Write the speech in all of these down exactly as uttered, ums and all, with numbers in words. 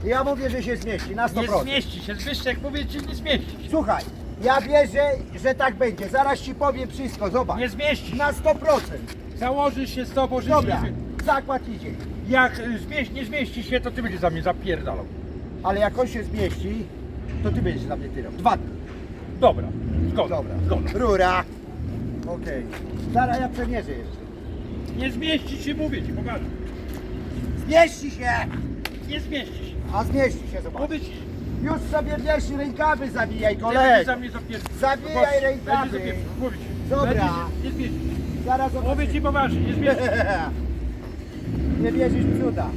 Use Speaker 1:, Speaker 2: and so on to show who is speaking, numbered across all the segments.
Speaker 1: Ja mówię, że się zmieści na sto
Speaker 2: Nie
Speaker 1: procent.
Speaker 2: zmieści się, Zbyszek mówi, ci nie zmieści się.
Speaker 1: Słuchaj, ja wierzę, że tak będzie. Zaraz ci powiem wszystko, zobacz.
Speaker 2: Nie zmieści się.
Speaker 1: Na sto procent.
Speaker 2: Założysz się z tobą, że
Speaker 1: Dobra,
Speaker 2: się...
Speaker 1: zakład idzie.
Speaker 2: Jak y, zmieści, nie zmieści się, to ty będziesz za mnie zapierdalał.
Speaker 1: Ale jak on się zmieści, to ty będziesz za mnie tyrał. Dwa dni.
Speaker 2: Dobra, zgoda,
Speaker 1: Dobra.
Speaker 2: zgoda.
Speaker 1: Rura. Okej. Zaraz ja przemierzę jeszcze.
Speaker 2: Nie zmieści się, mówię ci, pokażę.
Speaker 1: Zmieści się!
Speaker 2: Nie zmieści się.
Speaker 1: A zmieści się, zobacz.
Speaker 2: Mówię ci,
Speaker 1: Już sobie wiesz, rękawy zawijaj,
Speaker 2: ty
Speaker 1: kolego.
Speaker 2: będziesz za mnie zapierdalał.
Speaker 1: Zabijaj
Speaker 2: Zobacz,
Speaker 1: rękawy.
Speaker 2: będzie zapierdalał. Mówię ci.
Speaker 1: Dobra.
Speaker 2: Będzie się- Nie zmieści się.
Speaker 1: Zaraz
Speaker 2: Mówię
Speaker 1: zobaczysz.
Speaker 2: ci poważnie, nie zmieści się.
Speaker 1: Nie wierzysz w cuda.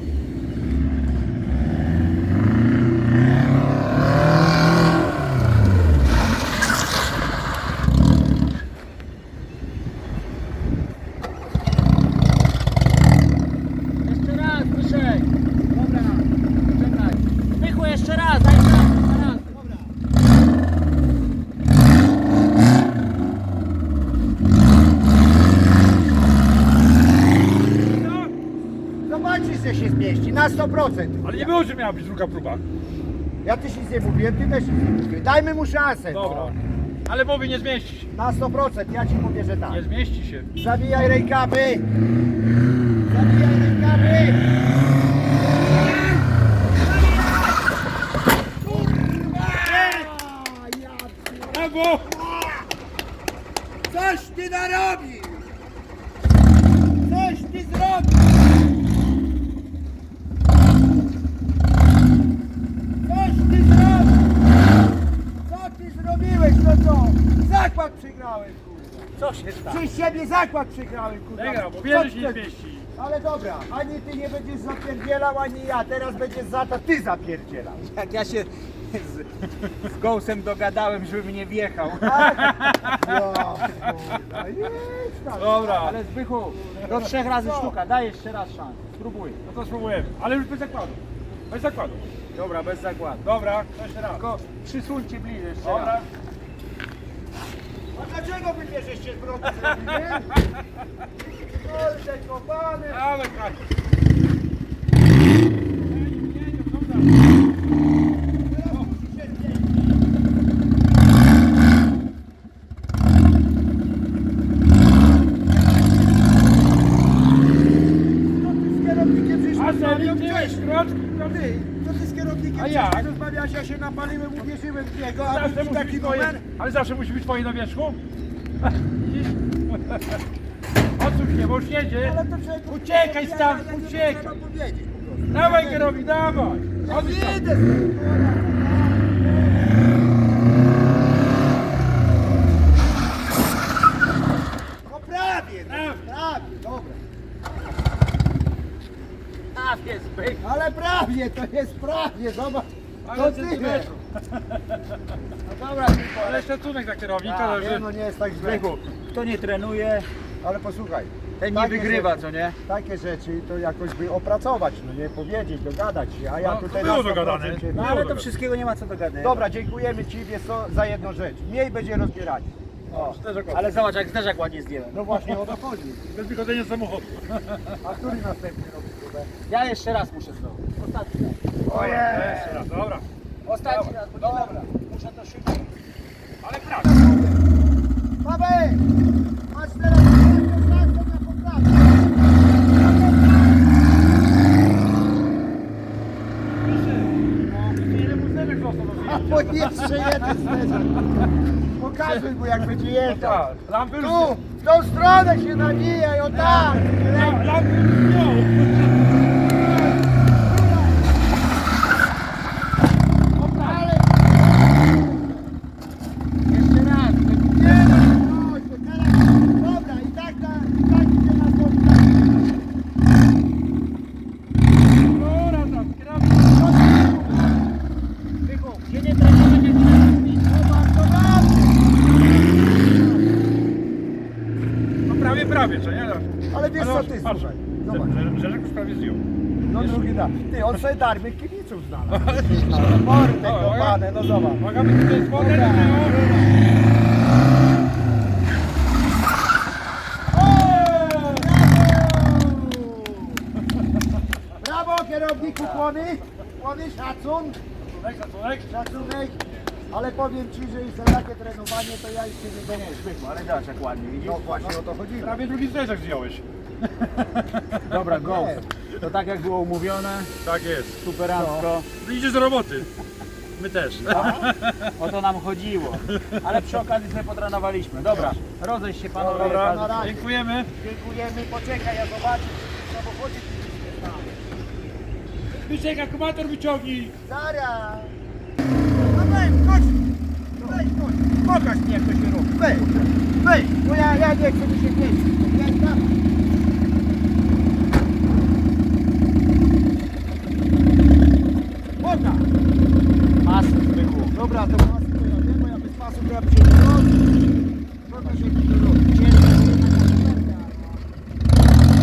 Speaker 3: Jeszcze raz, Zbyszek. Dobra, czekaj. Zbychu, jeszcze raz, daj raz, jeszcze raz. Dobra.
Speaker 2: No,
Speaker 1: Zobaczysz, że się zmieści, na sto procent.
Speaker 2: ale nie było, że miała być druga próba.
Speaker 1: Ja też nic nie mówiłem, ty też nic nie mówiłeś. Dajmy mu szansę. no.
Speaker 2: Dobra. Ale mówię, nie zmieści się.
Speaker 1: Na sto procent, ja ci mówię, że tak.
Speaker 2: Nie zmieści się.
Speaker 1: Zawijaj rękawy. Zawijaj rękawy.
Speaker 2: Brawo!
Speaker 1: Coś ty narobił! Coś ty zrobił! Coś ty zrobił! Co ty zrobiłeś, no co? Zakład przegrałem, kurwa!
Speaker 3: Co się stało?
Speaker 1: Przez siebie zakład przegrałem, kurwa!
Speaker 2: Przegrał, bo
Speaker 1: Co
Speaker 2: wiele się
Speaker 1: ty-
Speaker 2: nie zmieści.
Speaker 1: Ale dobra, ani ty nie będziesz zapierdzielał, ani ja. Teraz będziesz za to ty zapierdzielał.
Speaker 3: Jak ja się z, z Gołsem dogadałem, żeby mnie wjechał.
Speaker 1: Tak? No, kurwa, jedź tam.
Speaker 2: Dobra.
Speaker 3: Ale Zbychu, do trzech razy sztuka, daj jeszcze raz szansę. Spróbuj.
Speaker 2: No to spróbujemy. Ale już bez zakładu. Bez zakładu.
Speaker 3: Dobra, bez zakładu.
Speaker 2: Dobra, to jeszcze raz.
Speaker 3: Tylko przysuńcie bliżej jeszcze
Speaker 2: Dobra.
Speaker 3: raz.
Speaker 1: A dlaczego wy mnie żeście z broku zrobili? Kurde, kopany!
Speaker 2: Ale kraj.
Speaker 1: Co ty z kierownikiem żeś
Speaker 2: A
Speaker 1: rozmawiał
Speaker 2: co, widziałeś
Speaker 1: wcześniej?
Speaker 2: kroczki?
Speaker 1: Ty, co ty z kierownikiem
Speaker 2: A jak?
Speaker 1: wcześniej rozmawiałeś? Ja się napaliłem, uwierzyłem w niego, a
Speaker 2: Zawsze
Speaker 1: widzisz
Speaker 2: musi
Speaker 1: taki
Speaker 2: być twoje,
Speaker 1: numer?
Speaker 2: ale zawsze musi być twoje na wierzchu. Widzisz? Odsuń się, bo już jedzie.
Speaker 1: Ale to czego?
Speaker 2: Uciekaj
Speaker 1: Ja-
Speaker 2: stamtąd,
Speaker 1: ja nie
Speaker 2: uciekaj.
Speaker 1: trzeba powiedzieć po prostu.
Speaker 2: Dawaj kierownik, dawaj.
Speaker 1: Ja
Speaker 2: Odsuń się.
Speaker 1: jedę z tym, kurwa. No prawie, no,
Speaker 2: Prawie.
Speaker 1: prawie, dobra.
Speaker 3: A, jest Zbychu.
Speaker 1: Ale prawie, to jest prawie, zobacz.
Speaker 2: Ale
Speaker 1: To tyle.
Speaker 2: centymetrów.
Speaker 3: No dobra, Zbychu, ale
Speaker 2: Ale szacunek dla kierownika,
Speaker 1: Tak,
Speaker 2: że...
Speaker 1: nie, no nie jest tak źle.
Speaker 3: Zbychu, kto nie trenuje,
Speaker 1: Ale posłuchaj,
Speaker 3: ten nie
Speaker 1: takie
Speaker 3: wygrywa,
Speaker 1: rzeczy-
Speaker 3: co nie?
Speaker 1: Takie rzeczy to jakoś by opracować, no nie powiedzieć, dogadać się, a ja
Speaker 2: No,
Speaker 1: tutaj
Speaker 2: było
Speaker 1: na sto procent
Speaker 2: dogadane.
Speaker 1: się-
Speaker 3: No
Speaker 2: Nie
Speaker 3: ale
Speaker 2: mogę.
Speaker 3: to wszystkiego nie ma co dogadać.
Speaker 1: Dobra, dziękujemy Ci, wiesz co, za jedną rzecz. Mniej będzie rozbieranie. O,
Speaker 3: Ale zobacz, jak zderzak ładnie zdjąłem.
Speaker 1: no właśnie o to chodzi.
Speaker 2: Bez wychodzenia z samochodu.
Speaker 1: A który następny robi próbę?
Speaker 3: Ja jeszcze raz muszę zrobić. Ostatni raz.
Speaker 1: Ojej!
Speaker 2: Jeszcze raz, dobra.
Speaker 3: Ostatni raz, bo nie
Speaker 1: Dobra.
Speaker 3: dobra. Muszę to szybko.
Speaker 2: Ale prawda.
Speaker 1: Paweł! Masz teraz szansę na poprawę.
Speaker 2: Ile mu zderzek został do
Speaker 1: A
Speaker 2: wyjęcia?
Speaker 1: bo jeszcze jeden zderzak. Pokazuj mu jak będzie jeżdżał.
Speaker 2: Tak, lampy już
Speaker 1: Tu, w tą stronę się nawijaj, o tak!
Speaker 2: La- Lampy już miał.
Speaker 3: Jeszcze raz.
Speaker 1: Nie no, chodź, bo teraz... Dobra, i tak, na, i tak idzie na spotkanie.
Speaker 2: Dobra, tam, kierownik.
Speaker 3: Zbychu, gdzie nie trenuje, nie trenuje.
Speaker 2: No prawie, prawie, co nie?
Speaker 1: Ale wiesz co ty,
Speaker 2: patrz,
Speaker 1: słuchaj, zobacz.
Speaker 2: że- Rzeczek już prawie zdjął.
Speaker 1: No drugi da. Ty, on sobie darmy kibiców znalazł. No, mordy
Speaker 2: O,
Speaker 1: kopane, no zobacz.
Speaker 2: Uwaga, my tutaj jest wodę,
Speaker 1: Dobra.
Speaker 2: no.
Speaker 1: Brawo! Brawo kierowniku kłony! Ładny szacun,
Speaker 2: Szacunek, szacunek.
Speaker 1: szacunek. Ale powiem Ci, że jest takie trenowanie, to ja już się nie
Speaker 3: Nie,
Speaker 1: donieś.
Speaker 3: Zbychu, ale zobacz jak ładnie, widzisz?
Speaker 1: No właśnie o to chodziło.
Speaker 2: Prawie drugi zderzak zdjąłeś.
Speaker 3: Dobra, Ghost. To tak jak było umówione,
Speaker 2: Tak jest.
Speaker 3: superancko.
Speaker 2: No. Idziesz do roboty. My też.
Speaker 3: O to nam chodziło. Ale przy okazji sobie potrenowaliśmy. Dobra, rozejść się panowie.
Speaker 1: Dobra,
Speaker 3: każdy-
Speaker 1: na razie.
Speaker 2: Dziękujemy.
Speaker 1: Dziękujemy, poczekaj, ja zobaczę, w samochodzie nie znam.
Speaker 2: Wyciek, akumulator wyciągnij.
Speaker 1: Zaraz. No weź, chodź. Weź, chodź. Pokaż mi jak to się robi. Weź, weź, bo ja, ja nie chcę mi się mieścić. Ja tam. Pokaż.
Speaker 3: Masy, Zbychu.
Speaker 1: Dobra, to masy to ja wiem, bo ja bez masy to ja bym się nie robił. Pokaż jak to robi. Ciężko, to jednak na kopertę, albo-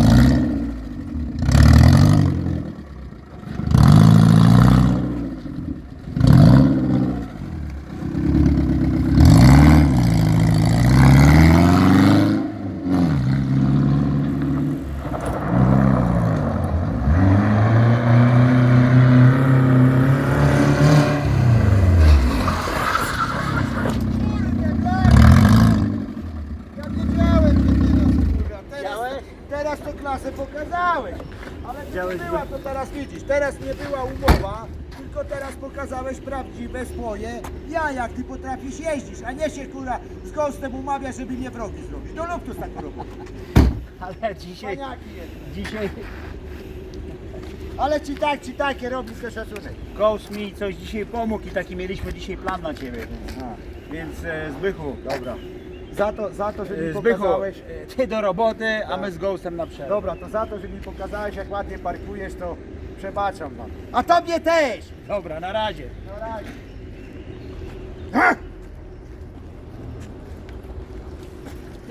Speaker 1: Kurde, tak! Ja wiedziałem, że teraz, kurwa, teraz,
Speaker 3: Widziałeś?
Speaker 1: teraz tę klasę pokazałeś. Ale to
Speaker 3: Widziałeś,
Speaker 1: nie była, to teraz widzisz, teraz nie była umowa, tylko teraz pokazałeś prawdziwe swoje ja, jak ty potrafisz jeździć, a nie się kurwa z Ghostem umawiasz, żeby mnie wrogi zrobić. No lub to z taką robotą.
Speaker 3: Ale dzisiaj,
Speaker 1: Paniaki jest.
Speaker 3: dzisiaj
Speaker 1: Ale ci tak, ci takie robisz to szacunek.
Speaker 3: Ghost mi coś dzisiaj pomógł i taki mieliśmy dzisiaj plan na ciebie. Więc e, Zbychu,
Speaker 1: Dobra. Za to, za to, że mi
Speaker 3: e, Zbychu,
Speaker 1: pokazałeś.
Speaker 3: e, ty do roboty, a my z Ghostem na przerwę.
Speaker 1: Dobra, to za to, że mi pokazałeś, jak ładnie parkujesz, to przebaczam wam. A tobie też!
Speaker 3: Dobra, na razie.
Speaker 1: Na razie. Ha!